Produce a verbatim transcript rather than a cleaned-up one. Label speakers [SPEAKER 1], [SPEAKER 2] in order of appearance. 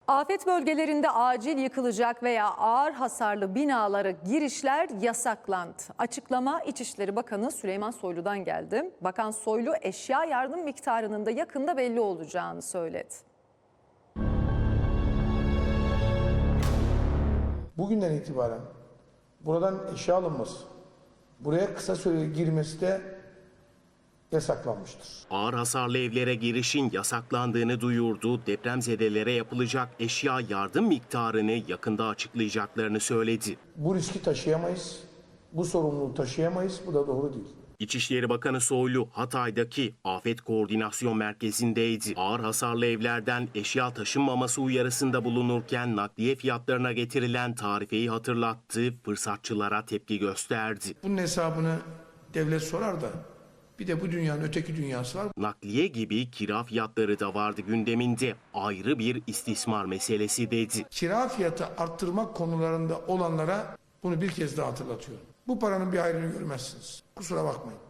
[SPEAKER 1] Afet bölgelerinde acil yıkılacak veya ağır hasarlı binalara girişler yasaklandı. Açıklama İçişleri Bakanı Süleyman Soylu'dan geldi. Bakan Soylu eşya yardım miktarının da yakında belli olacağını söyledi.
[SPEAKER 2] Bugünden itibaren buradan eşya alınması, buraya kısa süreli girmesi de yasaklanmıştır.
[SPEAKER 3] Ağır hasarlı evlere girişin yasaklandığını duyurdu. Depremzedelere yapılacak eşya yardım miktarını yakında açıklayacaklarını söyledi.
[SPEAKER 2] Bu riski taşıyamayız, bu sorumluluğu taşıyamayız, bu da doğru değil.
[SPEAKER 3] İçişleri Bakanı Soylu Hatay'daki Afet Koordinasyon Merkezi'ndeydi. Ağır hasarlı evlerden eşya taşınmaması uyarısında bulunurken nakliye fiyatlarına getirilen tarifeyi hatırlattı, fırsatçılara tepki gösterdi.
[SPEAKER 2] Bunun hesabını devlet sorar da bir de bu dünyanın öteki dünyası var.
[SPEAKER 3] Nakliye gibi kira fiyatları da vardı gündeminde. Ayrı bir istismar meselesi dedi.
[SPEAKER 2] Kira fiyatı arttırmak konularında olanlara bunu bir kez daha hatırlatıyorum. Bu paranın bir ayrını görmezsiniz. Kusura bakmayın.